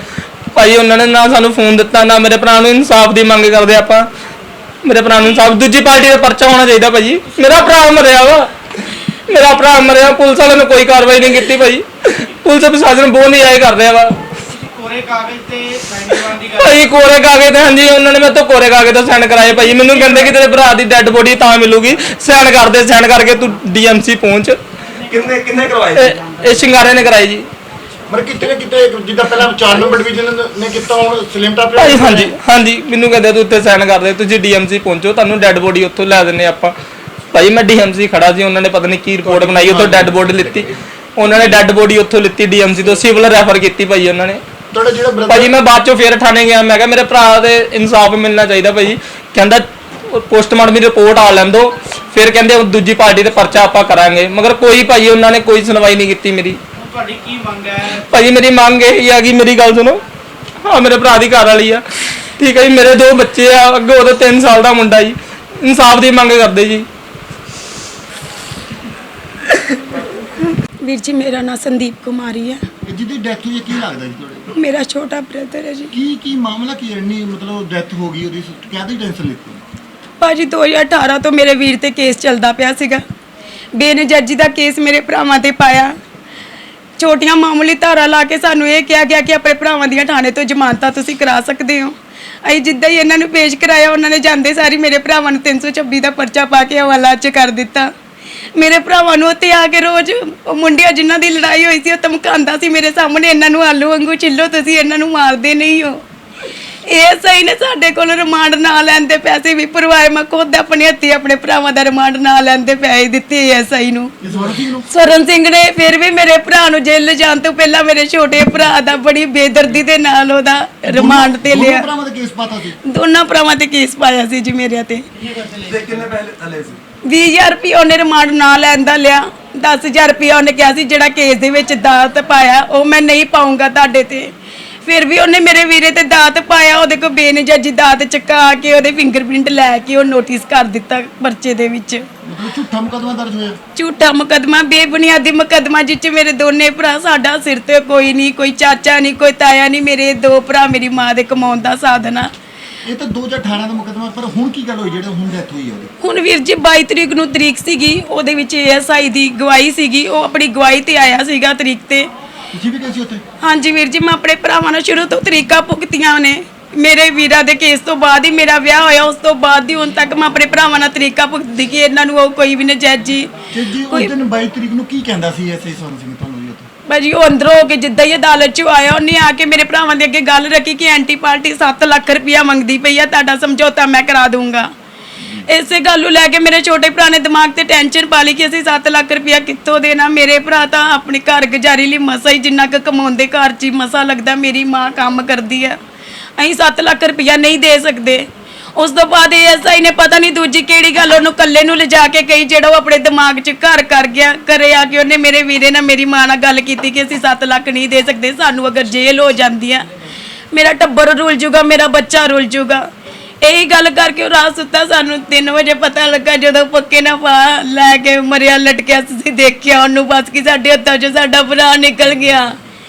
[SPEAKER 3] ਭਾਜੀ ਉਹਨਾਂ ਨੇ ਨਾ ਸਾਨੂੰ ਫੋਨ ਦਿੱਤਾ, ਨਾ ਮੇਰੇ ਭਰਾ ਨੂੰ ਇਨਸਾਫ ਦੀ ਮੰਗ ਕਰਦੇ ਆਪਾਂ। ਮੇਰੇ ਭਰਾ ਨੂੰ ਇਨਸਾਫ, ਦੂਜੀ ਪਾਰਟੀ ਦਾ ਪਰਚਾ ਹੋਣਾ ਚਾਹੀਦਾ ਭਾਜੀ। ਮੇਰਾ ਭਰਾ ਮਰਿਆ ਵਾ, ਮੇਰਾ ਭਰਾ ਮਰਿਆ, ਪੁਲਿਸ ਵਾਲਿਆਂ ਨੇ ਕੋਈ ਕਾਰਵਾਈ ਨਹੀਂ ਕੀਤੀ ਭਾਜੀ। ਪੁਲਿਸ ਪ੍ਰਸ਼ਾਸਨ ਬਹੁਤ ਨਹੀਂ ਆਏ ਕਰ ਰਿਹਾ ਵਾ
[SPEAKER 4] ਕੋਰੇ ਕਾਗਜ਼ ਤੇ ਸਾਈਨ ਕਰਵਾਉਣ ਦੀ ਗੱਲ
[SPEAKER 3] ਭਾਜੀ। ਕੋਰੇ ਕਾਗਜ਼ ਤੇ ਹਾਂਜੀ ਉਹਨਾਂ ਨੇ ਮੇਰੇ ਤੋਂ ਕੋਰੇ ਕਾਗਜ਼ ਤੇ ਸਾਈਨ ਕਰਾਏ ਭਾਜੀ। ਮੈਨੂੰ ਕਹਿੰਦੇ ਕਿ ਤੇਰੇ ਭਰਾ ਦੀ ਡੈੱਡ ਬੋਡੀ ਤਾਂ ਮਿਲੂਗੀ, ਸਾਈਨ ਕਰਦੇ, ਸਾਈਨ ਕਰਕੇ ਤੂੰ ਡੀਐਮਸੀ ਪਹੁੰਚ।
[SPEAKER 5] ਕਿੰਨੇ ਕਿੰਨੇ ਕਰਵਾਏ?
[SPEAKER 3] ਇਹ ਇਹ ਸ਼ਿੰਗਾਰੇ ਨੇ ਕਰਾਈ ਜੀ।
[SPEAKER 1] ਮਤਲਬ ਕਿਤੇ ਨਾ ਕਿਤੇ ਜਿੱਦਾਂ ਪਹਿਲਾਂ ਚਾਰ ਨੰਬਰ ਡਿਵੀਜ਼ਨ ਨੇ ਕੀਤਾ, ਹੁਣ ਸਲਿਮਟਾ
[SPEAKER 3] ਭਾਈ ਹਾਂਜੀ ਹਾਂਜੀ ਮੈਨੂੰ ਕਹਿੰਦੇ ਤੂੰ ਉੱਤੇ ਸਾਈਨ ਕਰ ਦੇ, ਤੁਸੀਂ ਡੀਐਮਸੀ ਪਹੁੰਚੋ, ਤੁਹਾਨੂੰ ਡੈੱਡ ਬੋਡੀ ਉੱਥੋਂ ਲੈ ਦਿੰਨੇ ਆਪਾਂ। ਭਾਈ ਮੈਂ ਡੀਐਮਸੀ ਖੜਾ ਸੀ, ਉਹਨਾਂ ਨੇ ਪਤਾ ਨਹੀਂ ਕੀ ਰਿਪੋਰਟ ਬਣਾਈ, ਉੱਥੋਂ ਡੈੱਡ ਬੋਡੀ ਲਿੱਤੀ। ਉਹਨਾਂ ਨੇ ਡੈੱਡ ਬੋਡੀ ਉੱਥੋਂ ਲਿੱਤੀ ਡੀਐਮਸੀ ਤੋਂ, ਸਿਵਲ ਰੈਫਰ ਕੀਤੀ ਭਾਈ ਉਹਨਾਂ ਨੇ।
[SPEAKER 1] ਤੁਹਾਡਾ ਜਿਹੜਾ ਬ੍ਰਦਰ?
[SPEAKER 3] ਭਾਜੀ ਮੈਂ ਬਾਅਦ ਚੋਂ ਫੇਰ ਥਾਣੇ ਗਿਆ, ਮੈਂ ਕਿਹਾ ਮੇਰੇ ਭਰਾ ਦੇ ਇਨਸਾਫ ਮਿਲਣਾ ਚਾਹੀਦਾ ਭਾਜੀ। ਕਹਿੰਦਾ ਪੋਸਟਮਾਰਟਮ ਦੀ ਰਿਪੋਰਟ ਆ ਲੈਣ ਦੋ, ਫਿਰ ਕਹਿੰਦੇ ਉਹ ਦੂਜੀ ਪਾਰਟੀ ਤੇ ਪਰਚਾ ਆਪਾਂ ਕਰਾਂਗੇ। ਮਗਰ ਕੋਈ ਭਾਜੀ ਉਹਨਾਂ ਨੇ ਕੋਈ ਸੁਣਵਾਈ ਨਹੀਂ ਕੀਤੀ ਮੇਰੀ।
[SPEAKER 4] ਹੁਣ ਤੁਹਾਡੀ ਕੀ ਮੰਗ ਹੈ?
[SPEAKER 3] ਭਾਜੀ ਮੇਰੀ ਮੰਗ ਇਹ ਆ ਕਿ ਮੇਰੀ ਗੱਲ ਸੁਣੋ। ਹਾਂ ਮੇਰੇ ਭਰਾ ਦੀ ਘਰ ਵਾਲੀ ਆ, ਠੀਕ ਹੈ ਜੀ, ਮੇਰੇ ਦੋ ਬੱਚੇ ਆ, ਅੱਗੇ ਉਹਦਾ ਤਿੰਨ ਸਾਲ ਦਾ ਮੁੰਡਾ ਜੀ। ਇਨਸਾਫ ਦੀ ਮੰਗ ਕਰਦੇ ਜੀ।
[SPEAKER 7] ਵੀਰ ਜੀ ਮੇਰਾ ਨਾਮ ਸੰਦੀਪ ਕੁਮਾਰੀ ਹੈ,
[SPEAKER 1] ਜਿਹਦੀ ਡੈਥ ਹੋਈ ਹੈ, ਕੀ ਲੱਗਦਾ ਜੀ ਤੁਹਾਡੇ?
[SPEAKER 7] ਮੇਰਾ ਛੋਟਾ ਬ੍ਰਦਰ ਹੈ ਜੀ।
[SPEAKER 1] ਕੀ ਕੀ ਮਾਮਲਾ ਕੀ ਹੈ? ਇੰਨੀ ਮਤਲਬ ਡੈਥ ਹੋ ਗਈ ਉਹਦੀ, ਕਾਹਦੀ ਟੈਨਸ਼ਨ ਲਿੱਤੀ?
[SPEAKER 7] ਭਾਜੀ ਦੋ ਹਜ਼ਾਰ ਅਠਾਰਾਂ ਤੋਂ ਮੇਰੇ ਵੀਰ ਤੇ ਕੇਸ ਚੱਲਦਾ ਪਿਆ ਸੀਗਾ, ਬੇਨਜਰਜੀ ਦਾ ਕੇਸ ਮੇਰੇ ਭਰਾਵਾਂ ਤੇ ਪਾਇਆ। ਛੋਟੀਆਂ ਮਾਮੂਲੀ ਧਾਰਾ ਲਾ ਕੇ ਸਾਨੂੰ ਇਹ ਕਿਹਾ ਗਿਆ ਕਿ ਆਪਣੇ ਭਰਾਵਾਂ ਦੀਆਂ ਥਾਣੇ ਤੋਂ ਜ਼ਮਾਨਤਾਂ ਤੁਸੀਂ ਕਰਾ ਸਕਦੇ ਹੋ। ਅਸੀਂ ਜਿੱਦਾਂ ਹੀ ਇਹਨਾਂ ਨੂੰ ਪੇਸ਼ ਕਰਾਇਆ, ਉਹਨਾਂ ਨੇ ਜਾਂਦੇ ਸਾਰੀ ਮੇਰੇ ਭਰਾਵਾਂ ਨੂੰ ਤਿੰਨ ਸੌ ਛੱਬੀ ਦਾ ਪਰਚਾ ਪਾ ਕੇ ਹਵਾਲਾ 'ਚ ਕਰ ਦਿੱਤਾ। ਮੇਰੇ ਭਰਾਵਾਂ ਨੂੰ ਉੱਥੇ ਆ ਕੇ ਰੋਜ਼ ਉਹ ਮੁੰਡਿਆਂ ਜਿਨ੍ਹਾਂ ਦੀ ਲੜਾਈ ਹੋਈ ਸੀ ਉਹ ਧਮਕਾਉਂਦਾ ਸੀ ਮੇਰੇ ਸਾਹਮਣੇ, ਇਹਨਾਂ ਨੂੰ ਆਲੂ ਵਾਂਗੂ ਛਿੱਲੋ, ਤੁਸੀਂ ਇਹਨਾਂ ਨੂੰ ਮਾਰਦੇ ਨਹੀਂ ਹੋ। ਇਹ ਸਹੀ ਨੇ ਸਾਡੇ ਕੋਲ ਰਿਮਾਂਡ ਨਾ ਲੈਂਦੇ ਪੈਸੇ ਵੀ ਭਰਵਾਏ, ਮੈਂ ਖੁਦ ਆਪਣੇ ਹੱਥੀ ਆਪਣੇ ਭਰਾਵਾਂ ਦਾ ਰਿਮਾਂਡ ਨਾ ਲੈਂਦੇ ਪੈਸੇ ਦਿੱਤੇ ਐਸਆਈ ਨੂੰ,
[SPEAKER 1] ਇਸ ਵਾਰ ਕੀ ਨੂੰ?
[SPEAKER 7] ਸਰਨ ਸਿੰਘ ਨੇ। ਫਿਰ ਵੀ ਮੇਰੇ ਭਰਾ ਨੂੰ ਜੇਲ੍ਹ ਜਾਣ ਤੋਂ ਪਹਿਲਾਂ ਮੇਰੇ ਛੋਟੇ ਭਰਾ ਦਾ ਬੜੀ ਬੇਦਰਦੀ ਦੇ ਨਾਲ ਉਹਦਾ ਰਿਮਾਂਡ ਤੇ
[SPEAKER 1] ਦੋਨੋਂ
[SPEAKER 7] ਲਿਆ।
[SPEAKER 1] ਭਰਾਵਾਂ ਦਾ ਕੇਸ ਪਾਤਾ ਸੀ?
[SPEAKER 7] ਦੋਨਾਂ ਭਰਾਵਾਂ ਤੇ ਕੇਸ ਪਾਇਆ ਸੀ ਜੀ ਮੇਰੇ ਤੇ।
[SPEAKER 5] ਤੇ ਕਿੰਨੇ ਪੈਸੇ ਥਲੇ ਸੀ?
[SPEAKER 7] ਵੀਹ ਹਜ਼ਾਰ ਰੁਪਇਆ ਉਹਨੇ ਰਿਮਾਂਡ ਨਾ ਲੈਣ ਦਾ ਲਿਆ, ਦਸ ਹਜ਼ਾਰ ਰੁਪਇਆ ਉਹਨੇ ਕਿਹਾ ਸੀ ਜਿਹੜਾ ਕੇਸ ਦੇ ਵਿੱਚ ਦਾਤ ਪਾਇਆ ਉਹ ਮੈਂ ਨਹੀਂ ਪਾਉਂਗਾ ਤੁਹਾਡੇ ਤੇ। ਫਿਰ ਵੀ ਉਹਨੇ ਮੇਰੇ ਵੀਰੇ ਤੇ ਦਾਤ ਪਾਇਆ, ਉਹਦੇ ਕੋਲ ਬੇਨਜਾਜੀ ਦਾਤ ਚੁਕਾ ਕੇ ਉਹਦੇ ਫਿੰਗਰਪ੍ਰਿੰਟ ਲੈ ਕੇ ਉਹ ਨੋਟਿਸ ਕਰ ਦਿੱਤਾ ਪਰਚੇ ਦੇ ਵਿੱਚ।
[SPEAKER 1] ਮਤਲਬ ਝੂਠਾ ਮੁਕੱਦਮਾ ਦਰਜ ਹੋਇਆ?
[SPEAKER 7] ਝੂਠਾ ਮੁਕੱਦਮਾ, ਬੇਬੁਨਿਆਦੀ ਮੁਕੱਦਮਾ, ਜਿੱਚ ਮੇਰੇ ਦੋਨੇ ਭਰਾ, ਸਾਡਾ ਸਿਰ ਤੇ ਕੋਈ ਨਹੀਂ, ਕੋਈ ਚਾਚਾ ਨਹੀਂ, ਕੋਈ ਤਾਇਆ ਨਹੀਂ, ਮੇਰੇ ਦੋ ਭਰਾ ਮੇਰੀ ਮਾਂ ਦੇ ਕਮਾਉਣ ਦਾ ਸਾਧਨ ਆ।
[SPEAKER 1] ਇਹ ਤਾਂ ਦੋ ਹਜ਼ਾਰ ਅਠਾਰਾਂ ਦਾ ਮੁਕੱਦਮਾ, ਪਰ ਹੁਣ ਕੀ ਗੱਲ ਹੋਈ ਜਿਹੜਾ ਹੁਣ ਡੈਥ ਹੋਈ ਹੈ ਉਹਦੀ?
[SPEAKER 7] ਹੁਣ ਵੀਰ ਜੀ ਬਾਈ ਤਰੀਕ ਨੂੰ ਤਰੀਕ ਸੀਗੀ, ਉਹਦੇ ਵਿੱਚ ਏਐਸਆਈ ਦੀ ਗਵਾਹੀ ਸੀਗੀ, ਉਹ ਆਪਣੀ ਗਵਾਹੀ ਤੇ ਆਇਆ ਸੀਗਾ ਤਰੀਕ ਤੇ।
[SPEAKER 1] ਤੁਸੀਂ ਵੀ ਗਏ ਸੀ ਉੱਥੇ?
[SPEAKER 7] ਹਾਂਜੀ ਵੀਰ ਜੀ ਮੈਂ ਆਪਣੇ ਭਰਾਵਾਂ ਨਾਲ ਸ਼ੁਰੂ ਤੋਂ ਤਰੀਕਾਂ ਭੁਗਤੀਆਂ ਨੇ। ਮੇਰੇ ਵੀਰਾਂ ਦੇ ਕੇਸ ਤੋਂ ਬਾਅਦ ਹੀ ਮੇਰਾ ਵਿਆਹ ਹੋਇਆ, ਉਸ ਤੋਂ ਬਾਅਦ ਹੀ ਹੁਣ ਤੱਕ ਮੈਂ ਆਪਣੇ ਭਰਾਵਾਂ ਨਾਲ ਤਰੀਕਾਂ ਭੁਗਤਦੀ ਕਿ ਇਹਨਾਂ ਨੂੰ ਉਹ ਕੋਈ ਵੀ ਨਜਾਇਜ਼ ਜੀ
[SPEAKER 1] ਤੇ ਜੀ ਉਸ ਦਿਨ ਬਾਈ ਤਰੀਕ ਨੂੰ ਕੀ ਕਹਿੰਦਾ ਸੀ ਐਸਆਈ ਸੋਨ ਸਿੰਘ ਤੁਹਾਨੂੰ ਜੀ ਉੱਥੇ?
[SPEAKER 7] ਭਾਜੀ ਉਹ ਅੰਦਰੋਂ ਹੋ ਕੇ ਜਿੱਦਾਂ ਹੀ ਅਦਾਲਤ 'ਚ ਆਇਆ, ਉਹਨੇ ਆ ਕੇ ਮੇਰੇ ਭਰਾਵਾਂ ਦੇ ਅੱਗੇ ਗੱਲ ਰੱਖੀ ਕਿ ਐਂਟੀ ਪਾਰਟੀ ਸੱਤ ਲੱਖ ਰੁਪਇਆ ਮੰਗਦੀ ਪਈ ਆ, ਤੁਹਾਡਾ ਸਮਝੌਤਾ ਮੈਂ ਕਰਾ ਦੂੰਗਾ। ਇਸੇ ਗੱਲ ਨੂੰ ਲੈ ਕੇ ਮੇਰੇ ਛੋਟੇ ਭਰਾ ਨੇ ਦਿਮਾਗ ਤੇ ਟੈਨਸ਼ਨ ਪਾ ਲਈ ਕਿ ਅਸੀਂ ਸੱਤ ਲੱਖ ਰੁਪਇਆ ਕਿੱਥੋਂ ਦੇਣਾ। ਮੇਰੇ ਭਰਾ ਤਾਂ ਆਪਣੇ ਘਰ ਗੁਜ਼ਾਰੀ ਲਈ ਮਸਾ ਹੀ ਜਿੰਨਾ ਕੁ ਕਮਾਉਂਦੇ, ਘਰ 'ਚ ਹੀ ਮਸਾ ਲੱਗਦਾ, ਮੇਰੀ ਮਾਂ ਕੰਮ ਕਰਦੀ ਆ, ਅਸੀਂ ਸੱਤ ਲੱਖ ਰੁਪਇਆ ਨਹੀਂ ਦੇ ਸਕਦੇ। ਉਸ ਤੋਂ ਬਾਅਦ ਐਸਆਈ ਨੇ ਪਤਾ ਨਹੀਂ ਦੂਜੀ ਕਿਹੜੀ ਗੱਲ ਉਹਨੂੰ ਇਕੱਲੇ ਨੂੰ ਲਿਜਾ ਕੇ ਕਹੀ, ਜਿਹੜਾ ਉਹ ਆਪਣੇ ਦਿਮਾਗ 'ਚ ਘਰ ਕਰ ਗਿਆ। ਘਰੇ ਆ ਕੇ ਉਹਨੇ ਮੇਰੇ ਵੀਰੇ ਨਾਲ ਮੇਰੀ ਮਾਂ ਨਾਲ ਗੱਲ ਕੀਤੀ ਕਿ ਅਸੀਂ ਸੱਤ ਲੱਖ ਨਹੀਂ ਦੇ ਸਕਦੇ, ਸਾਨੂੰ ਅਗਰ ਜੇਲ੍ਹ ਹੋ ਜਾਂਦੀ ਆ ਮੇਰਾ ਟੱਬਰ ਰੁਲ ਜੂਗਾ, ਮੇਰਾ ਬੱਚਾ ਰੁਲ ਜੂਗਾ। ਇਹੀ ਗੱਲ ਕਰਕੇ ਉਹ ਰਾਤ ਸੁੱਤਾ, ਸਾਨੂੰ ਤਿੰਨ ਵਜੇ ਪਤਾ ਲੱਗਾ ਜਦੋਂ ਪੱਕੇ ਨਾ ਪਾ ਲੈ ਕੇ ਮਰਿਆ ਲਟਕਿਆ। ਅਸੀਂ ਦੇਖਿਆ ਉਹਨੂੰ, ਬਸ ਕਿ ਸਾਡੇ ਹੱਥਾਂ 'ਚੋਂ ਸਾਡਾ ਭਰਾ ਨਿਕਲ ਗਿਆ।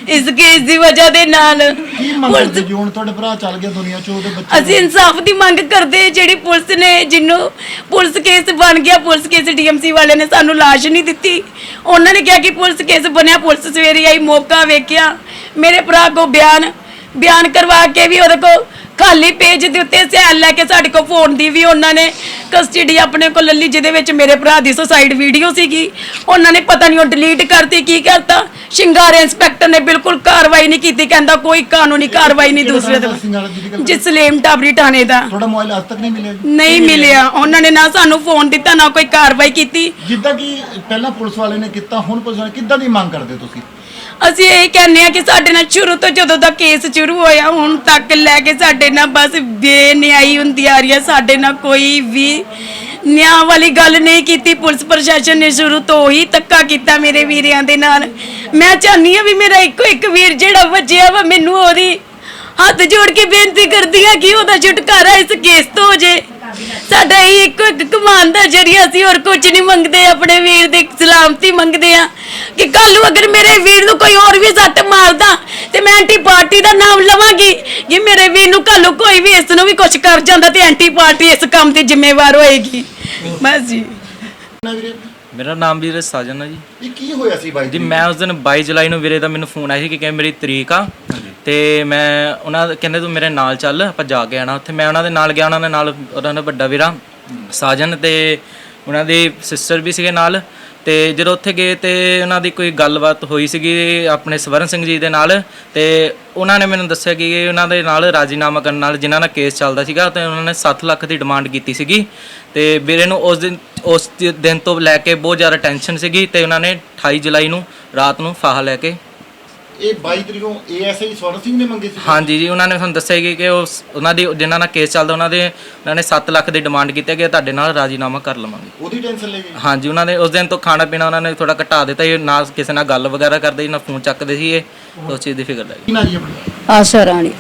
[SPEAKER 7] ਇਸ ਕੇਸ ਦੀ ਵਜ੍ਹਾ ਦੇ ਨਾਲ
[SPEAKER 1] ਕੀ ਮੰਗ ਕਰਦੇ ਜੀ ਹੁਣ ਤੁਹਾਡੇ ਭਰਾ ਚੱਲ ਗਿਆ ਦੁਨੀਆ ਚੋਂ, ਉਹਦੇ ਬੱਚੇ
[SPEAKER 7] ਅਸੀਂ ਇਨਸਾਫ ਦੀ ਮੰਗ ਕਰਦੇ, ਜਿਹੜੀ ਪੁਲਿਸ ਨੇ, ਜਿਹਨੂੰ ਪੁਲਿਸ ਕੇਸ ਬਣ ਗਿਆ, ਪੁਲਿਸ ਕੇਸ ਡੀਐਮਸੀ ਵਾਲਿਆਂ ਨੇ ਸਾਨੂੰ ਲਾਸ਼ ਨਹੀਂ ਦਿੱਤੀ। ਉਹਨਾਂ ਨੇ ਕਿਹਾ ਕਿ ਪੁਲਿਸ ਕੇਸ ਬਣਿਆ, ਪੁਲਿਸ ਸਵੇਰੇ ਆਈ, ਮੌਕਾ ਵੇਖਿਆ, ਮੇਰੇ ਭਰਾ ਕੋ ਬਿਆਨ ਬਿਆਨ ਕਰਵਾ ਕੇ ਵੀ ਉਹਦੇ ਕੋ ਖਾਲੀ ਪੇਜ ਦੇ ਉੱਤੇ ਸੈਲ ਲੈ ਕੇ ਸਾਡੇ ਕੋਲ ਫੋਨ ਦੀ ਵੀ ਉਹਨਾਂ ਨੇ ਕਸਟਡੀ ਆਪਣੇ ਕੋਲ ਲੱਲੀ, ਜਿਹਦੇ ਵਿੱਚ ਮੇਰੇ ਭਰਾ ਦੀ ਸੁਸਾਈਡ ਵੀਡੀਓ ਸੀਗੀ। ਉਹਨਾਂ ਨੇ ਪਤਾ ਨਹੀਂ ਉਹ ਡਿਲੀਟ ਕਰਤੀ, ਕੀ ਕਰਤਾ। ਸ਼ਿੰਗਾਰੇ ਇੰਸਪੈਕਟਰ ਨੇ ਬਿਲਕੁਲ ਕਾਰਵਾਈ ਨਹੀਂ ਕੀਤੀ, ਕਹਿੰਦਾ ਕੋਈ ਕਾਨੂੰਨੀ ਕਾਰਵਾਈ ਨਹੀਂ ਦੂਸਰੇ ਤੇ। ਜਸਲੇਮ ਟਾਬਰੀ ਥਾਣੇ ਦਾ
[SPEAKER 1] ਤੁਹਾਡਾ ਮੋਬਾਈਲ ਅੱਜ ਤੱਕ ਨਹੀਂ ਮਿਲਿਆ ਜੀ?
[SPEAKER 7] ਨਹੀਂ ਮਿਲਿਆ। ਉਹਨਾਂ ਨੇ ਨਾ ਸਾਨੂੰ ਫੋਨ ਦਿੱਤਾ, ਨਾ ਕੋਈ ਕਾਰਵਾਈ ਕੀਤੀ।
[SPEAKER 1] ਜਿੱਦਾਂ ਕਿ ਪਹਿਲਾਂ ਪੁਲਿਸ ਵਾਲੇ ਨੇ ਕੀਤਾ, ਹੁਣ ਪੁਲਿਸ ਵਾਲੇ ਕਿੱਦਾਂ ਦੀ ਮੰਗ ਕਰਦੇ ਤੁਸੀਂ?
[SPEAKER 7] ਅਸੀਂ ਇਹ ਕਹਿੰਦੇ ਆ ਕਿ ਸਾਡੇ ਨਾਲ ਸ਼ੁਰੂ ਤੋਂ ਜਦੋਂ ਦਾ ਕੇਸ ਸ਼ੁਰੂ ਹੋਇਆ ਹੁਣ ਤੱਕ ਲੈ ਕੇ ਸਾਡੇ ਨਾਲ ਬਸ ਬੇਨਿਆਈ ਹੁੰਦੀ ਆ ਰਹੀ ਹੈ। ਸਾਡੇ ਨਾਲ ਕੋਈ ਵੀ ਨਿਆਂ ਵਾਲੀ ਗੱਲ ਨਹੀਂ ਕੀਤੀ। ਪੁਲਿਸ ਪ੍ਰਸ਼ਾਸਨ ਨੇ ਸ਼ੁਰੂ ਤੋਂ ਹੀ ਧੱਕਾ ਕੀਤਾ ਮੇਰੇ ਵੀਰਿਆਂ ਦੇ ਨਾਲ। ਮੈਂ ਚਾਹੁੰਦੀ ਆ ਵੀ ਮੇਰਾ ਇੱਕੋ ਇੱਕ ਵੀਰ ਜਿਹੜਾ ਵੱਜਿਆ ਵਾ, ਮੈਨੂੰ ਉਹਦੀ ਹੱਥ ਜੋੜ ਕੇ ਬੇਨਤੀ ਕਰਦੀ ਆ ਕਿ ਉਹਦਾ ਛੁਟਕਾਰਾ ਇਸ ਕੇਸ ਤੋਂ ਹੋ ਜੇ। ਸਾਡਾ ਇਹ ਇੱਕੋ ਇੱਕ ਕਮਾਨ ਦਾ ਜਰੀਆ, ਅਸੀਂ ਹੋਰ ਕੁਝ ਨਹੀਂ ਮੰਗਦੇ, ਆਪਣੇ ਵੀਰ ਦੀ ਸਲਾਮਤੀ ਮੰਗਦੇ ਆ ਕਿ ਕੱਲ ਨੂੰ ਅਗਰ ਮੇਰੇ ਵੀਰ ਨੂੰ ਕੋਈ ਹੋਰ ਵੀ ਸੱਟ ਮਾਰਦਾ ਤੇ ਮੈਂ ਐਂਟੀ ਪਾਰਟੀ ਦਾ ਨਾਮ ਲਵਾਂਗੀ ਕਿ ਮੇਰੇ ਵੀਰ ਨੂੰ ਕੱਲ ਨੂੰ ਕੋਈ ਵੀ ਇਸ ਨੂੰ ਵੀ ਕੁਝ ਕਰ ਜਾਂਦਾ ਤੇ ਐਂਟੀ ਪਾਰਟੀ ਇਸ ਕੰਮ ਦੀ ਜ਼ਿੰਮੇਵਾਰ ਹੋਏਗੀ। ਬਸ ਜੀ।
[SPEAKER 1] ਨਾ ਵੀਰੇ,
[SPEAKER 3] ਮੇਰਾ ਨਾਮ ਵੀਰੇ ਸਾਜਨ ਹੈ ਜੀ।
[SPEAKER 1] ਇਹ ਕੀ ਹੋਇਆ ਸੀ ਬਾਈ
[SPEAKER 3] ਜੀ ਮੈਂ ਉਸ ਦਿਨ ਬਾਈ ਜੁਲਾਈ ਨੂੰ ਵੀਰੇ ਦਾ ਮੈਨੂੰ ਫੋਨ ਆਇਆ ਸੀ ਕਿ ਕਹਿੰਦੇ ਮੇਰੀ ਤਰੀਕ ਆ ਤੇ ਮੈਂ ਉਹਨਾਂ ਦੇ ਕਹਿੰਦੇ ਤੂੰ ਮੇਰੇ ਨਾਲ ਚੱਲ, ਆਪਾਂ ਜਾ ਕੇ ਆਣਾ ਉੱਥੇ। ਮੈਂ ਉਹਨਾਂ ਦੇ ਨਾਲ ਗਿਆ, ਉਹਨਾਂ ਦੇ ਨਾਲ ਉਹਨਾਂ ਦਾ ਵੱਡਾ ਵੀਰਾ ਸਾਜਨ ਤੇ ਉਹਨਾਂ ਦੀ ਸਿਸਟਰ ਵੀ ਸੀਗੇ ਨਾਲ। ਤੇ ਜਦੋਂ ਉੱਥੇ ਗਏ ਤੇ ਉਹਨਾਂ ਦੀ ਕੋਈ ਗੱਲਬਾਤ ਹੋਈ ਸੀਗੀ ਆਪਣੇ ਸਵਰਨ ਸਿੰਘ ਜੀ ਦੇ ਨਾਲ, ਤੇ ਉਹਨਾਂ ਨੇ ਮੈਨੂੰ ਦੱਸਿਆ ਕਿ ਉਹਨਾਂ ਦੇ ਨਾਲ ਰਾਜੀਨਾਮਾ ਕਰਨ ਨਾਲ ਜਿਨ੍ਹਾਂ ਦਾ ਕੇਸ ਚੱਲਦਾ ਸੀਗਾ ਤੇ ਉਹਨਾਂ ਨੇ ਸੱਤ ਲੱਖ ਦੀ ਡਿਮਾਂਡ ਕੀਤੀ ਸੀਗੀ। ਤੇ ਵੀਰੇ ਨੂੰ ਉਸ ਦਿਨ ਉਸ ਦਿਨ ਤੋਂ ਲੈ ਕੇ ਬਹੁਤ ਜ਼ਿਆਦਾ ਟੈਨਸ਼ਨ ਸੀਗੀ ਤੇ ਉਹਨਾਂ ਨੇ ਅਠਾਈ ਜੁਲਾਈ ਨੂੰ ਰਾਤ ਨੂੰ ਫਾਹਾ ਲੈ ਕੇ
[SPEAKER 1] ਇਹ ਬਾਈ ਤਰੀਕ ਨੂੰ ਏਐਸਆਈ ਸਵਰਨ ਸਿੰਘ ਨੇ ਮੰਗੇ ਸੀ?
[SPEAKER 3] ਹਾਂਜੀ ਜੀ, ਉਹਨਾਂ ਨੇ ਸਾਨੂੰ ਦੱਸਿਆ ਕਿ ਕਿ ਉਸ ਉਹਨਾਂ ਦੀ ਜਿਨ੍ਹਾਂ ਨਾਲ ਕੇਸ ਚੱਲਦਾ ਉਹਨਾਂ ਦੇ ਉਹਨਾਂ ਨੇ ਸੱਤ ਲੱਖ ਦੀ ਡਿਮਾਂਡ ਕੀਤੀ ਕਿ ਤੁਹਾਡੇ ਨਾਲ ਰਾਜੀਨਾਮਾ ਕਰ ਲਵਾਂਗੇ।
[SPEAKER 1] ਉਹਦੀ ਟੈਨਸ਼ਨ ਲੈ ਗਏ?
[SPEAKER 3] ਹਾਂਜੀ, ਉਹਨਾਂ ਨੇ ਉਸ ਦਿਨ ਤੋਂ ਖਾਣਾ ਪੀਣਾ ਉਹਨਾਂ ਨੇ ਥੋੜਾ ਘਟਾ ਦਿੱਤਾ ਜੀ, ਨਾ ਕਿਸੇ ਨਾਲ ਗੱਲ ਵਗੈਰਾ ਕਰਦੇ ਨਾ ਫੋਨ ਚੱਕਦੇ ਸੀ। ਇਹ ਉਸ ਚੀਜ਼ ਦੀ ਫਿਕਰ ਲੱਗੀ।
[SPEAKER 1] ਕੀ ਨਾ ਜੀ ਆਪਣਾ?
[SPEAKER 8] ਆਸ਼ਾ ਰਾਣੀ।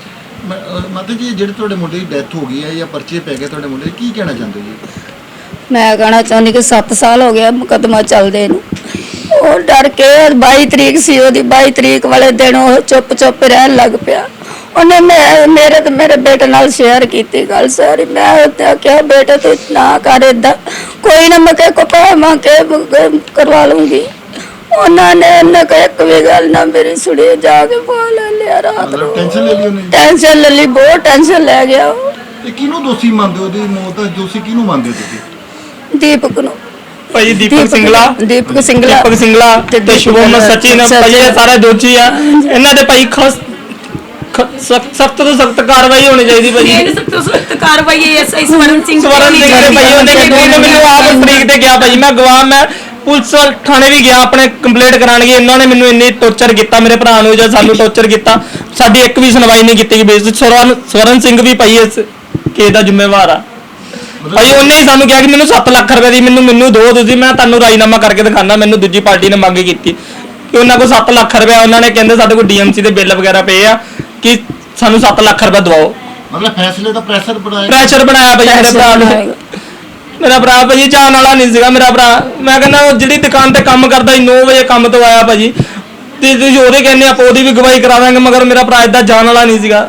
[SPEAKER 1] ਮਾਤਾ ਜੀ, ਜਿਹੜੇ ਤੁਹਾਡੇ ਮੁੰਡੇ ਦੀ ਡੈਥ ਹੋ ਗਈ ਹੈ ਜਾਂ ਪਰਚੇ ਪੈ ਗਏ ਤੁਹਾਡੇ ਮੁੰਡੇ ਦੇ, ਕੀ ਕਹਿਣਾ ਚਾਹੁੰਦੇ ਜੀ?
[SPEAKER 8] ਮੈਂ ਕਹਿਣਾ ਚਾਹੁੰਦੀ ਕਿ ਸੱਤ ਸਾਲ ਹੋ ਗਿਆ ਮੁਕੱਦਮਾ ਚੱਲਦੇ ਨੂੰ। ਉਹ ਡਰ ਕੇ ਬਾਈ ਤਰੀਕ ਸੀ ਉਹਦੀ, ਬਾਈ ਤਰੀਕ ਵਾਲੇ ਦਿਨ ਉਹ ਚੁੱਪ ਚੁੱਪ ਰਹਿਣ ਲੱਗ ਪਿਆ। ਉਹਨੇ ਮੈਂ ਮੇਰੇ ਤੇ ਮੇਰੇ ਬੇਟੇ ਨਾਲ ਸ਼ੇਅਰ ਕੀਤੀ ਗੱਲ ਸਾਰੀ। ਮੈਂ ਉਹਤੇ ਆਖਿਆ ਬੇਟੇ ਤੂੰ ਨਾ ਕਰ ਏਦਾਂ, ਕੋਈ ਨਾ ਮੈਂ ਕੋ ਪਾ ਮਾਂ ਕੇ ਕਰਵਾ ਲੂੰਗੀ। ਉਹਨਾਂ ਨੇ ਨਾ ਕੋਈ ਇੱਕ ਵੀ ਗੱਲ ਨਾ ਮੇਰੀ ਸੁਣੀ, ਜਾ ਕੇ ਪਾ ਲੈ ਲਿਆ ਰਾਤ ਨੂੰ।
[SPEAKER 1] ਟੈਨਸ਼ਨ ਲੈ ਲਈ ਉਹਨੇ?
[SPEAKER 8] ਟੈਨਸ਼ਨ ਲੈ ਲਈ, ਬਹੁਤ ਟੈਨਸ਼ਨ ਲੈ ਗਿਆ ਉਹ।
[SPEAKER 1] ਤੇ ਕਿਹਨੂੰ ਦੋਸ਼ੀ ਮੰਨਦੇ ਹੋ? ਉਹਦੀ ਮੌਤ ਦਾ ਦੋਸ਼ੀ ਕਿਹਨੂੰ ਮੰਨਦੇ ਹੋ ਤੁਸੀਂ?
[SPEAKER 8] ਦੀਪਕ ਨੂੰ।
[SPEAKER 3] ਭਾਈ ਦੀਪਕ ਸਿੰਗਲਾ
[SPEAKER 8] ਦੀਪਕ ਸਿੰਗਲਾ
[SPEAKER 3] ਦੀਪਕ ਸਿੰਗਲਾ ਤੇ ਸ਼ੁਭਮ ਸਚਿਨ ਭਾਈ ਇਹ ਸਾਰੇ ਦੋਸ਼ੀ ਆ। ਇਹਨਾਂ ਦੇ ਭਾਈ ਖਸ ਸਖਤ ਤੋਂ ਸਖਤ ਕਾਰਵਾਈ ਹੋਣੀ ਚਾਹੀਦੀ ਭਾਈ।
[SPEAKER 7] ਇਹ ਸਭ ਤੋਂ ਸਖਤ ਕਾਰਵਾਈ ਹੈ ਐਸਆਈ ਸਵਰਨ ਸਿੰਘ
[SPEAKER 3] ਸਵਰਨ ਸਿੰਘ ਦੇ ਭਾਈ ਉਹਨੇ ਕਿ ਮੈਨੂੰ ਆਪ ਤਰੀਕ ਤੇ ਗਿਆ ਭਾਈ, ਮੈਂ ਗਵਾਹ, ਮੈਂ ਪੁਲਿਸ ਥਾਣੇ ਵੀ ਗਿਆ ਆਪਣੇ ਕੰਪਲੇਂਟ ਕਰਾਉਣ ਗਏ। ਇਹਨਾਂ ਨੇ ਮੈਨੂੰ ਇੰਨੀ ਟੌਰਚਰ ਕੀਤਾ, ਮੇਰੇ ਭਰਾ ਨੂੰ ਜਾਂ ਸਾਨੂੰ ਟੌਰਚਰ ਕੀਤਾ, ਸਾਡੀ ਇੱਕ ਵੀ ਸੁਣਵਾਈ ਨਹੀਂ ਕੀਤੀ ਗਈ। ਸਵਰਨ ਸਵਰਨ ਸਿੰਘ ਵੀ ਭਾਈ ਇਸ ਕੇਸ ਦਾ ਜ਼ਿੰਮੇਵਾਰ ਆ ਭਾਈ। ਉਹਨੇ ਹੀ ਸਾਨੂੰ ਕਿਹਾ ਕਿ ਮੈਨੂੰ ਸੱਤ ਲੱਖ ਰੁਪਏ ਦੀ ਮੈਨੂੰ ਮੈਨੂੰ ਦੋ ਤੁਸੀਂ, ਮੈਂ ਤੁਹਾਨੂੰ ਰਾਜੀਨਾਮਾ ਕਰਕੇ ਦਿਖਾਣਾ। ਮੈਨੂੰ ਦੂਜੀ ਪਾਰਟੀ ਨੇ ਮੰਗ ਕੀਤੀ ਕਿ ਉਹਨਾਂ ਕੋਲ ਸੱਤ ਲੱਖ ਰੁਪਏ, ਉਹਨਾਂ ਨੇ ਕਹਿੰਦੇ ਸਾਡੇ ਕੋਲ ਡੀਐਮਸੀ ਦੇ ਬਿੱਲ ਵਗੈਰਾ ਪਏ ਆ ਕਿ ਸਾਨੂੰ ਸੱਤ ਲੱਖ ਰੁਪਏ ਦਵਾਓ।
[SPEAKER 1] ਮਤਲਬ ਫੈਸਲੇ ਦਾ ਪ੍ਰੈਸ਼ਰ ਬਣਾਇਆ?
[SPEAKER 3] ਪ੍ਰੈਸ਼ਰ ਬਣਾਇਆ ਭਾਈ ਮੇਰੇ ਭਰਾ ਨੇ। ਮੇਰਾ ਭਰਾ ਭਾਜੀ ਜਾਣ ਵਾਲਾ ਨਹੀਂ ਸੀਗਾ ਮੇਰਾ ਭਰਾ। ਮੈਂ ਕਹਿੰਦਾ ਜਿਹੜੀ ਦੁਕਾਨ ਤੇ ਕੰਮ ਕਰਦਾ ਸੀ ਨੌ ਵਜੇ ਕੰਮ ਤੋਂ ਆਇਆ ਭਾਜੀ, ਤੇ ਤੁਸੀਂ ਉਹਦੇ ਕਹਿੰਦੇ ਆਪਾਂ ਉਹਦੀ ਵੀ ਗਵਾਹੀ ਕਰਾ ਦਾਂਗੇ, ਮਗਰ ਮੇਰਾ ਭਰਾ ਏਦਾਂ ਜਾਣ ਵਾਲਾ ਨਹੀਂ ਸੀਗਾ।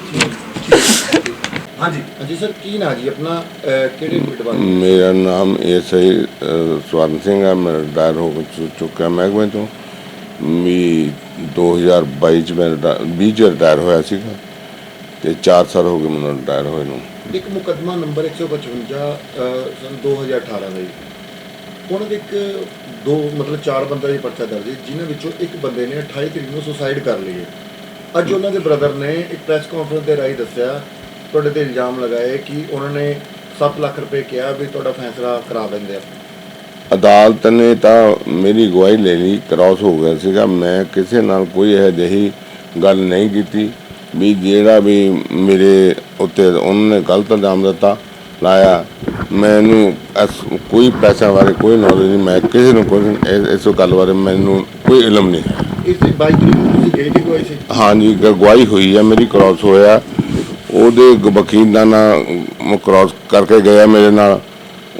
[SPEAKER 1] ਹਾਂਜੀ ਹਾਂਜੀ ਸਰ, ਕੀ ਨਾਂ ਜੀ ਆਪਣਾ? ਕਿਹੜੇ ਡਿਪਾਰਟਮੈਂਟ?
[SPEAKER 9] ਮੇਰਾ ਨਾਮ ਐਸਆਈ ਸਵਰਨ ਸਿੰਘ ਹੈ। ਮੈਂ ਰਿਟਾਇਰ ਹੋ ਚੁ- ਚੁੱਕਾ ਮਹਿਕਮੇ ਤੋਂ ਵੀ ਦੋ ਹਜ਼ਾਰ ਬਾਈ ਚ ਮੈਂ ਵੀਹ ਚ ਰਿਟਾਇਰ ਹੋਇਆ ਸੀਗਾ ਤੇ ਚਾਰ ਸਾਲ ਹੋ ਗਏ ਮੈਨੂੰ ਰਿਟਾਇਰ ਹੋਏ ਨੂੰ।
[SPEAKER 1] ਇੱਕ ਮੁਕੱਦਮਾ ਨੰਬਰ ਇੱਕ ਸੌ ਪਚਵੰਜਾ ਸਨ ਦੋ ਹਜ਼ਾਰ ਅਠਾਰਾਂ ਦਾ ਜੀ, ਉਹਨਾਂ ਦੇ ਇੱਕ ਦੋ ਮਤਲਬ ਚਾਰ ਬੰਦਾ ਦੀ ਪਰਚਾ ਦਰਜ ਹੈ, ਜਿਨ੍ਹਾਂ ਵਿੱਚੋਂ ਇੱਕ ਬੰਦੇ ਨੇ ਅਠਾਈ ਤਰੀਕ ਨੂੰ ਸੁਸਾਈਡ ਕਰ ਲਈ ਹੈ। ਅੱਜ ਉਹਨਾਂ ਦੇ ਬ੍ਰਦਰ ਨੇ ਇੱਕ ਪ੍ਰੈਸ ਕਾਨਫਰੰਸ ਦੇ ਰਾਹੀਂ ਦੱਸਿਆ, ਤੁਹਾਡੇ ਤੇ ਇਲਜ਼ਾਮ ਲਗਾਏ ਕਿ ਉਹਨਾਂ ਨੇ ਸੱਤ ਲੱਖ ਰੁਪਏ ਕਿਹਾ ਵੀ ਤੁਹਾਡਾ ਫੈਸਲਾ ਕਰਾ ਦਿੰਦੇ ਆ।
[SPEAKER 9] ਅਦਾਲਤ ਨੇ ਤਾਂ ਮੇਰੀ ਗਵਾਹੀ ਲੈ ਲਈ, ਕ੍ਰਾਸ ਹੋ ਗਿਆ ਸੀਗਾ। ਮੈਂ ਕਿਸੇ ਨਾਲ ਕੋਈ ਇਹੋ ਜਿਹੀ ਗੱਲ ਨਹੀਂ ਕੀਤੀ ਵੀ ਜਿਹੜਾ ਵੀ ਮੇਰੇ ਉੱਤੇ ਉਹਨਾਂ ਨੇ ਗਲਤ ਇਲਜ਼ਾਮ ਦਿੱਤਾ ਲਾਇਆ। ਮੈਨੂੰ ਇਸ ਕੋਈ ਪੈਸਿਆਂ ਬਾਰੇ ਕੋਈ ਨੌਲੇਜ ਨਹੀਂ, ਮੈਂ ਕਿਸੇ ਨੂੰ ਕੋਈ ਇਸ ਗੱਲ ਬਾਰੇ ਮੈਨੂੰ ਕੋਈ ਇਲਮ ਨਹੀਂ ਹੈ।
[SPEAKER 1] ਇਸ ਦੀ ਬਾਈ ਤਰੀਕ ਨੂੰ ਤੁਸੀਂ ਗਏ ਸੀ ਗਵਾਹੀ ਸੀ?
[SPEAKER 9] ਹਾਂਜੀ, ਗਵਾਹੀ ਹੋਈ ਹੈ ਮੇਰੀ, ਕ੍ਰਾਸ ਹੋਇਆ। ਉਹਦੇ ਵਕੀਲ ਦਾ ਨਾਂ ਕ੍ਰਾਸ ਕਰਕੇ ਗਿਆ ਮੇਰੇ ਨਾਲ,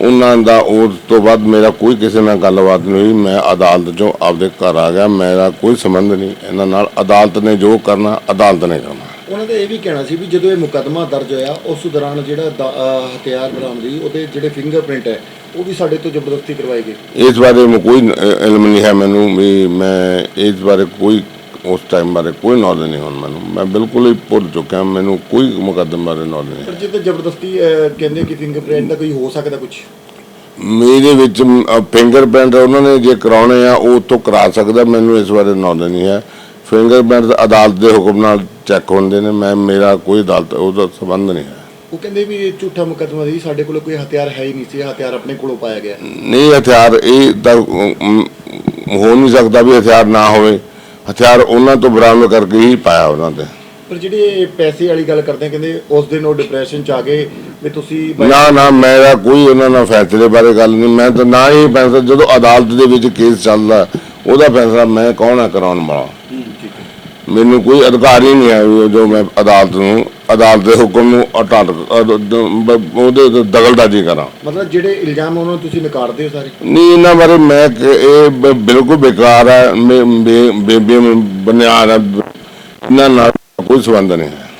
[SPEAKER 9] ਉਹਨਾਂ ਦਾ ਉਸ ਤੋਂ ਬਾਅਦ ਮੇਰਾ ਕੋਈ ਕਿਸੇ ਨਾਲ ਗੱਲਬਾਤ ਨਹੀਂ ਹੋਈ। ਮੈਂ ਅਦਾਲਤ ਚੋਂ ਆਪਦੇ ਘਰ ਆ ਗਿਆ, ਮੇਰਾ ਕੋਈ ਸੰਬੰਧ ਨਹੀਂ ਇਹਨਾਂ ਨਾਲ। ਅਦਾਲਤ ਨੇ ਜੋ ਕਰਨਾ ਅਦਾਲਤ ਨੇ ਕਰਨਾ।
[SPEAKER 1] ਉਹਨਾਂ ਦਾ ਇਹ ਵੀ ਕਹਿਣਾ ਸੀ ਵੀ ਜਦੋਂ ਇਹ ਮੁਕੱਦਮਾ ਦਰਜ ਹੋਇਆ ਉਸ ਦੌਰਾਨ ਜਿਹੜਾ ਦਾ- ਅਹ ਹਥਿਆਰ ਬਰਾਮਦੀ ਉਹਦੇ ਜਿਹੜੇ ਫਿੰਗਰਪ੍ਰਿੰਟ ਹੈ ਉਹ ਵੀ ਸਾਡੇ ਤੋਂ ਜ਼ਬਰਦਸਤੀ ਕਰਵਾਏ ਗਏ।
[SPEAKER 9] ਇਸ ਬਾਰੇ ਮੈਂ ਕੋਈ ਅ, ਇਲਮ ਨਹੀਂ ਹੈ ਮੈਨੂੰ ਵੀ, ਮੈਂ ਇਸ ਬਾਰੇ ਕੋਈ ਉਸ ਟਾਈਮ ਬਾਰੇ ਕੋਈ ਨੌਲੇਜ ਨਹੀਂ ਹੁਣ ਮੈਨੂੰ। ਮੈਂ ਬਿਲਕੁਲ ਹੀ ਭੁੱਲ ਚੁੱਕਿਆ, ਮੈਨੂੰ ਕੋਈ ਮੁਕੱਦਮੇ ਬਾਰੇ ਨੌਲੇਜ ਨਹੀਂ।
[SPEAKER 1] ਪਰ ਜੇ ਤਾਂ ਜ਼ਬਰਦਸਤੀ ਅਹ, ਕਹਿੰਦੇ ਕਿ ਫਿੰਗਰਪ੍ਰਿੰਟ ਦਾ ਕੋਈ ਹੋ ਸਕਦਾ ਕੁਝ।
[SPEAKER 9] ਮੇਰੇ ਵਿੱਚ ਫਿੰਗਰਪ੍ਰਿੰਟ ਉਹਨਾਂ ਨੇ ਜੇ ਕਰਾਉਣੇ ਆ ਉਹ ਉੱਥੋਂ ਕਰਾ ਸਕਦਾ, ਮੈਨੂੰ ਇਸ ਬਾਰੇ ਨੌਲੇਜ ਨਹੀਂ ਹੈ। ਫਿੰਗਰਪ੍ਰਿੰਟ ਅਦਾਲਤ ਦੇ ਹੁਕਮ ਨਾਲ ਚੈੱਕ ਹੁੰਦੇ ਨੇ, ਮੈਂ ਮੇਰਾ ਕੋਈ ਅਦਾਲਤ ਉਹਦਾ ਸੰਬੰਧ ਨਹੀਂ ਹੈ।
[SPEAKER 1] ਉਹ ਕਹਿੰਦੇ ਵੀ ਇਹ ਝੂਠਾ ਮੁਕੱਦਮਾ ਸੀ, ਸਾਡੇ ਕੋਲ ਕੋਈ ਹਥਿਆਰ ਹੈ ਹੀ ਨਹੀਂ ਸੀ, ਹਥਿਆਰ ਆਪਣੇ ਕੋਲੋਂ ਪਾਇਆ ਗਿਆ।
[SPEAKER 9] ਨਹੀਂ, ਹਥਿਆਰ ਇਹ ਤਾਂ ਅਮ, ਹੋ ਨਹੀਂ ਸਕਦਾ ਵੀ ਹਥਿਆਰ ਨਾ ਹੋਵੇ। ਹਥਿਆਰ ਉਹਨਾਂ ਤੋਂ ਬਰਾਮਦ ਕਰਕੇ ਹੀ ਪਾਇਆ ਉਹਨਾਂ ਤੇ।
[SPEAKER 1] ਪਰ ਜਿਹੜੇ ਪੈਸੇ ਵਾਲੀ ਗੱਲ ਕਰਦੇ ਆ, ਕਹਿੰਦੇ ਉਸ ਦਿਨ ਉਹ ਡਿਪਰੈਸ਼ਨ ਚ ਆ ਗਏ ਵੀ ਤੁਸੀਂ ਬਾਈ-
[SPEAKER 9] ਨਾ ਨਾ ਮੇਰਾ ਕੋਈ ਉਹਨਾਂ ਨਾਲ ਫੈਸਲੇ ਬਾਰੇ ਗੱਲ ਨਹੀਂ। ਮੈਂ ਤਾਂ ਨਾ ਹੀ ਫੈਸਲਾ, ਜਦੋਂ ਅਦਾਲਤ ਦੇ ਵਿੱਚ ਕੇਸ ਚੱਲਦਾ ਉਹਦਾ ਫੈਸਲਾ ਮੈਂ ਕੌਣ ਹੈ ਕਰਾਉਣ ਵਾਲਾ।
[SPEAKER 1] ਠੀਕ ਹੈ।
[SPEAKER 9] ਮੈਨੂੰ ਕੋਈ ਅਧਿਕਾਰ ਹੀ ਨਹੀਂ ਹੈ ਵੀ ਜੋ ਮੈਂ ਅਦਾਲਤ ਨੂੰ ਅਦਾਲਤ ਦੇ ਹੁਕਮ ਨੂੰ ਅਟਾਟ ਉਹਦੇ ਤੇ ਦਖਲਅੰਦਾਜ਼ੀ ਕਰਾਂ।
[SPEAKER 1] ਮਤਲਬ ਜਿਹੜੇ ਇਲਜ਼ਾਮ ਉਹਨਾਂ ਨੂੰ ਤੁਸੀਂ ਨਕਾਰਦੇ ਹੋ ਸਾਰੇ।
[SPEAKER 9] ਨਹੀਂ, ਇਹਨਾਂ ਬਾਰੇ ਮੈਂ ਕਿ- ਇਹ ਬ- ਬਿਲਕੁਲ ਬੇਕਾਰ ਹੈ, ਬੇ- ਬੇ- ਬੇ- ਬੇ- ਬੁਨਿਆਦ ਹੈ, ਇਹਨਾਂ ਨਾਲ ਕੋਈ ਸੰਬੰਧ ਨਹੀਂ ਹੈ।